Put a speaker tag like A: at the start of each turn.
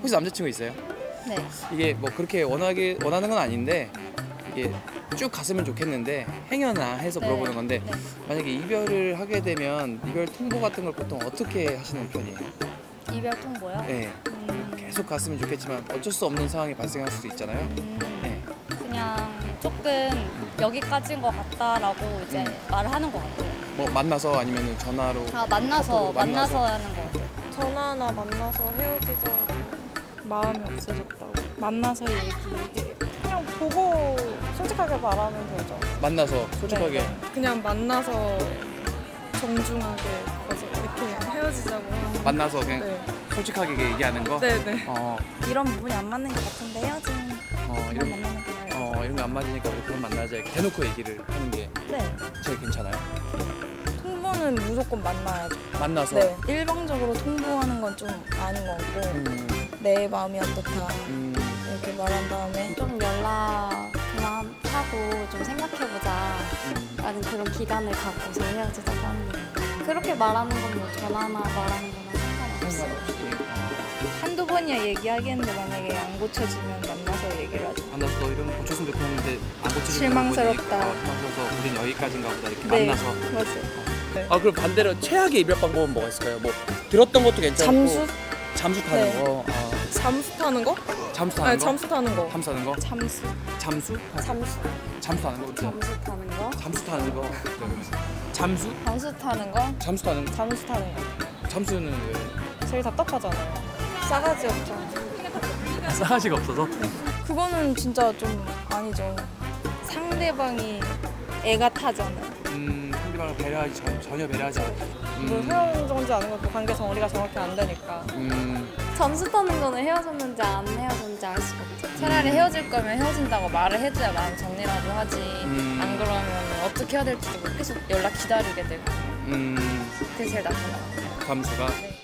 A: 혹시 남자친구 있어요?
B: 네.
A: 이게 뭐 그렇게 원하는 건 아닌데 이게 쭉 갔으면 좋겠는데 행여나 해서 물어보는 건데
B: 네.
A: 만약에 이별을 하게 되면 이별 통보 같은 걸 보통 어떻게 하시는 편이에요?
B: 이별 통보요?
A: 네. 계속 갔으면 좋겠지만 어쩔 수 없는 상황이 발생할 수도 있잖아요. 네.
B: 그냥 조금 여기까지인 것 같다라고 이제 말을 하는 것 같아요.
A: 뭐 만나서 아니면 전화로
B: 만나서
A: 카톡으로
B: 하는 것 같아요.
C: 전화나 만나서 헤어지자고 마음이 없어졌다고 만나서 얘기해. 그냥 보고 솔직하게 말하면 되죠.
A: 만나서 솔직하게
C: 네. 그냥 만나서 정중하게 이렇게 헤어지자고 하는.
A: 만나서 그냥
C: 네.
A: 솔직하게 얘기하는 거?
C: 네네.
B: 이런 부분이 안 맞는 것 같은데 헤어지는
A: 이런
B: 만나는 게 나아요.
A: 이런 거 안 맞으니까 우리 그만 만나자 이렇게 대놓고 얘기를 하는 게
B: 네.
A: 제일 괜찮아요.
C: 통보는 무조건 만나야죠.
A: 만나서
C: 네. 일방적으로 통보하는 건 좀 아닌 것 같고 내 마음이 어떻다 이렇게 말한 다음에
D: 좀 연락 그만하고 좀 생각해보자 라는 그런 기간을 갖고서 헤어지자고 합니다. 그렇게 말하는 건 뭐 전화나 말하는 거나 상관없어요.
C: 한두 번이야 얘기하겠는데 만약에 안 고쳐지면 만나서 얘기를 하죠.
A: 만나서 너 이런 거 고쳤으면 좋겠는데 안 고쳐지는
C: 실망스럽다.
A: 실망스러워서 우린 여기까지인가 보다 이렇게
C: 네.
A: 만나서.
C: 맞아요.
A: 그럼 반대로 최악의 이별 방법은 뭐가 있을까요? 뭐 들었던 것도 괜찮고 잠수 타는
C: 네.
A: 거.
C: 잠수 타는 거?
A: 잠수 타는
C: 아니
A: 거?
C: 잠수 타는 거.
A: 잠수 타는 거?
C: 잠수.
A: 잠수?
C: 잠수.
A: 잠수 타는 거?
D: 잠수 타는 거?
A: 잠수 타는 거? 잠수?
C: 잠수 타는 거?
A: 잠수 타는 거?
C: 잠수 타는 거.
A: 잠수는 왜?
C: 제일 답답하잖아요. 싸가지 없잖아.
A: 싸가지가 없어서?
C: 그거는 진짜 좀 아니죠. 상대방이 애가 타잖아요.
A: 상대방을 배려하지 전혀 배려하지 않고.
C: 뭐 헤어졌는지 아는 것도 관계 정리가 정확히 안 되니까.
D: 잠수 타는 거는 헤어졌는지 안 헤어졌는지 알 수가 없죠.
B: 차라리 헤어질 거면 헤어진다고 말을 해줘야 마음 정리라도 하지. 안 그러면 어떻게 해야 될지도 모르고 계속 연락 기다리게 되고. 그게 제일 나쁜 것 같아요.
A: 잠수가?
B: 네.